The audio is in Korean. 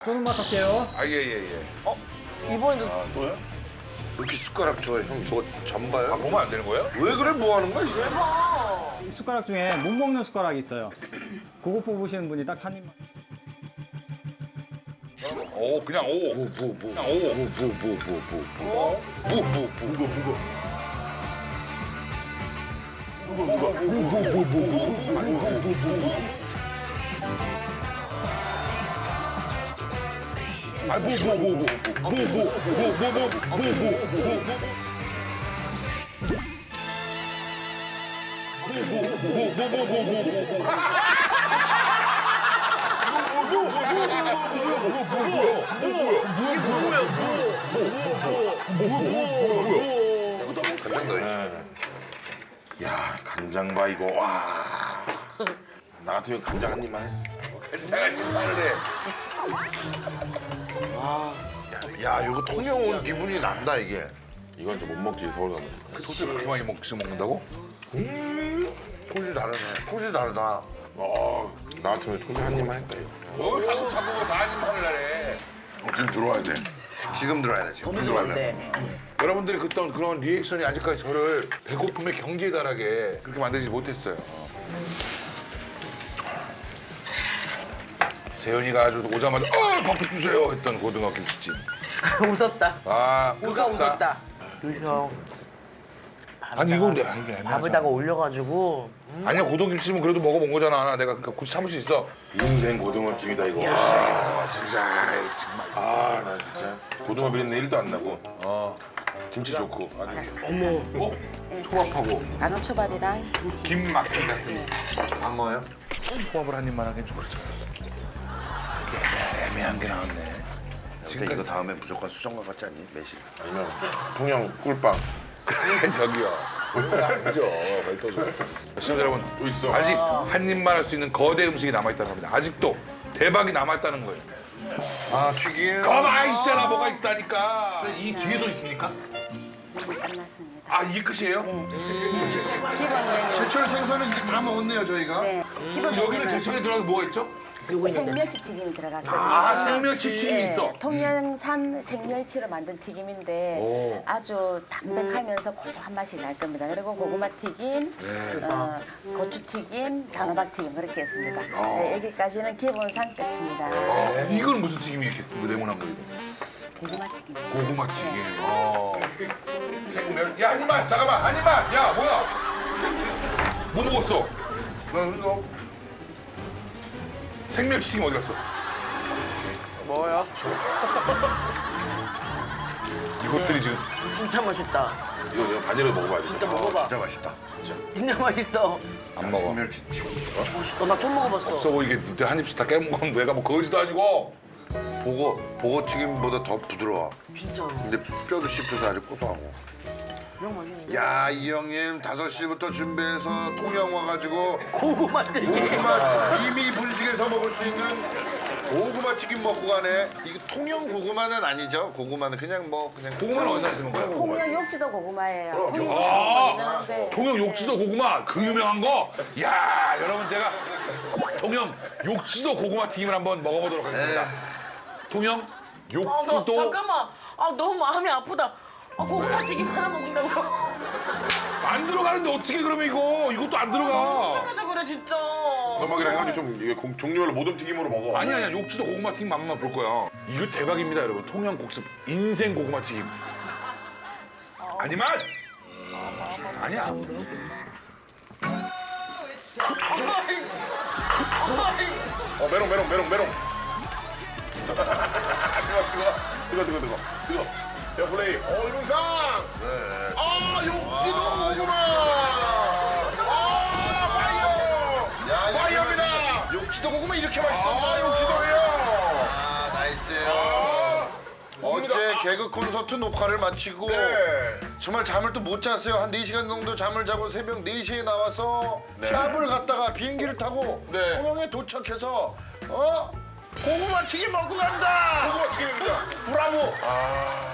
쪼는 맛 할게요. 아, 예. 이번에도 또요? 이렇게 숟가락 줘요. 형 뭐 전봐요? 아, 보면 안 되는 거예요? 왜 그래? 뭐 하는 거야? 이제? 대박. 이 숟가락 중에 못 먹는 숟가락이 있어요. 그거 뽑으시는 분이 딱 한 입만. 오, 그냥 오. 뭐. 그냥 오. 간장 넣어야지. 야 간장 봐 이거 와. 나 같으면 간장 한 입만 했어. 괜찮아, 말을 해. 야, 이거 통영 온 기분이 난다 이게. 이건 좀 못 먹지 서울 가면. 소스 그렇게 많이 먹는다고? 콧이 다르네. 콧이 다르다. 나 같으면 통장 한 입만 했다 이거. 자꾸 다 한입만을 하래. 지금 들어와야 돼. 지금 들어야 돼. 지금 들어야 돼. 여러분들이 그런 리액션이 아직까지 저를 배고픔의 경지에 달하게 그렇게 만들지 못했어요. 재현이가 아주 오자마자 밥도 주세요 했던 고등어 김치찜. 웃었다. 아, 누가 웃었다. 유형 아니 이건 내가 이게 애매하잖아. 밥에다가 올려가지고 아니야 고등김치찜은 그래도 먹어본 거잖아. 내가 그러니까 굳이 참을 수 있어. 인생 고등어찜이다 이거. 아, 진짜 아이, 정말. 아 나 진짜 고등어 비린내 1도 안 나고. 김치 좋고. 초밥하고 만호초밥이랑 김치. 김 막힘 같은 광어요? 초밥을 한 입만 하긴 좀 그렇잖아. 이게 애매한 게 나왔네. 근데 이거 다음에 무조건 수정과 같지 않니? 매실. 아니면 통영 꿀빵. 저기요. 아니죠. 별도죠. 시청자 여러분, 또 있어. 아직 한 입만 할 수 있는 거대 음식이 남아있다는 겁니다. 아직도 대박이 남아있다는 거예요. 아, 튀김. 가만히 있잖아, 뭐가 있다니까. 이 뒤에도 있습니까? 끝났습니다. 아, 이게 끝이에요? 기본 메뉴. 제철 생선은 이제 다 먹었네요, 저희가. 네. 기본 여기는 메뉴는 제철에 들어가서 뭐가 있죠? 생멸치 튀김이 들어갔거든요. 아, 생멸치 튀김이 네, 있어. 통영산 생멸치로 만든 튀김인데 아주 담백하면서 고소한 맛이 날 겁니다. 그리고 고구마 튀김, 고추 튀김, 단호박 튀김 그렇게 했습니다. 네, 여기까지는 기본상 끝입니다. 이건 무슨 튀김이 이렇게 네모난 거 이거? 고구마 튀김. 고구마 튀김. 생멸. 야, 한 입만. 잠깐만, 한 입만. 야, 뭐야? 뭐 먹었어? 나 이거 생멸치 튀김 어디 갔어? 뭐야? 이것들이 지금 진짜 맛있다. 이거 내가 반이라도 먹어봐야 돼. 진짜 아, 먹어봐. 진짜 맛있다. 진짜 맛있어. 안 먹어. 생멸치 튀김. 맛있다. 나 좀 먹어봤어. 없어 보이게 니들 한 입씩 다 깨먹으면 내가 뭐 거지도 아니고. 보고 튀김보다 더 부드러워. 진짜. 근데 뼈도 씹혀서 아주 고소하고. 그냥 맛있네. 야, 이 형님 5시부터 준비해서 통영 와가지고 고구마 튀김. 고구마 이미 분식에서 먹을 수 있는 고구마 튀김 먹고 가네. 이거 통영 고구마는 아니죠? 고구마는 그냥 그냥 고구마는 어디서 하시는 거예요? 통영 욕지도 고구마예요. 통영 아, 유명한데 통영 욕지도 고구마 그 유명한 거. 야, 여러분 제가 통영 욕지도 고구마 튀김을 한번 먹어보도록 하겠습니다. 통영 아, 욕지도. 잠깐만. 아 너무 마음이 아프다. 아 고구마 튀김 하나 먹는다고. 안 들어가는데 어떻게 그러면 이것도 안 들어가. 그래서 그래 진짜. 음악이랑 해가지고 좀 이게 종류별로 모든 튀김으로 먹어. 아니야 욕지도 고구마 튀김 맛만 볼 거야. 이거 대박입니다 여러분. 통영 곡습 인생 고구마 튀김. 아니만 아니야. 메롱. 뜨거. 야 플레이. 이동상. 아 욕지도 고구마. 파이어. 파이어입니다. 욕지도 고구마 이렇게 맛있어. 욕지도예요. 아, 나이스요. 어제 개그 콘서트 녹화를 마치고 정말 잠을 또 못 잤어요. 한 4시간 정도 잠을 자고 새벽 4시에 나와서 샵을 갔다가 비행기를 타고 네. 통영에 도착해서 고구마 튀김 먹고 간다. 고구마 튀김입니다. 브라보. 아